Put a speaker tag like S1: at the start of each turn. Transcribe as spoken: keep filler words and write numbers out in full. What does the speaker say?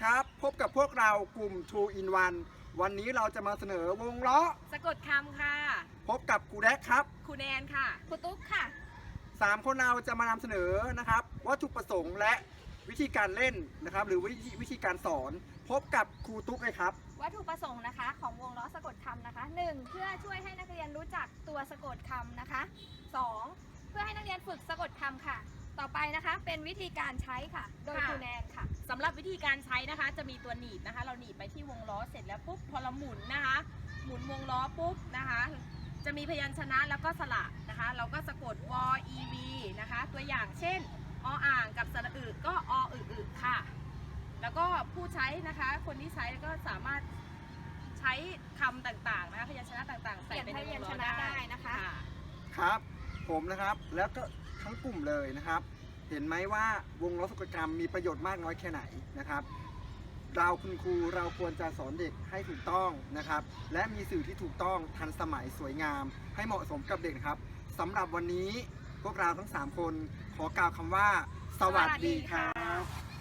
S1: ครับพบกับพวกเรากลุ่ม ทู อิน วัน วันนี้เราจะมาเสนอวงล้อ
S2: สะกดคำค่ะ
S1: พบกับครูแดกครับ
S2: ครูแนนค่ะ
S3: ครูตุ๊กค่ะ
S1: สามคนเราจะมานำเสนอนะครับวัตถุประสงค์และวิธีการเล่นนะครับหรือวิธีวิธีการสอนพบกับครูตุ๊กเลยครับ
S3: วัตถุประสงค์นะคะของวงล้อสะกดคำนะคะหนึ่งเพื่อช่วยให้นักเรียนรู้จักตัวสะกดคำนะคะสองเพื่อให้นักเรียนฝึกสะกดคำค่ะต่อไปนะคะเป็นวิธีการใช้ค่ะโดยครูแนนค่ะ
S2: สำหรับวิธีการใช้นะคะจะมีตัวหนีบนะคะเราหนีบไปที่วงล้อเสร็จแล้วปุ๊บพอเราหมุนนะคะหมุนวงล้อปุ๊บนะคะจะมีพยัญชนะแล้วก็สระนะคะเราก็สะกดวอ อี วี นะคะตัวอย่างเช่นออ่างกับสระอึก็ออึอึค่ะแล้วก็ผู้ใช้นะคะคนที่ใช้ก็สามารถใช้คำต่างๆนะคะพยัญชนะต่างๆใส่ไปในวงล้อได้
S3: นะคะ
S1: ครับผมนะครับแล้วก็ทั้งกลุ่มเลยนะครับเห็นไหมว่าวงล้อสะกดคำมีประโยชน์มากน้อยแค่ไหนนะครับเราคุณครูเราควรจะสอนเด็กให้ถูกต้องนะครับและมีสื่อที่ถูกต้องทันสมัยสวยงามให้เหมาะสมกับเด็กนะครับสำหรับวันนี้พวกเราทั้งสามคนขอกล่าวคำว่าสวัสดีครับ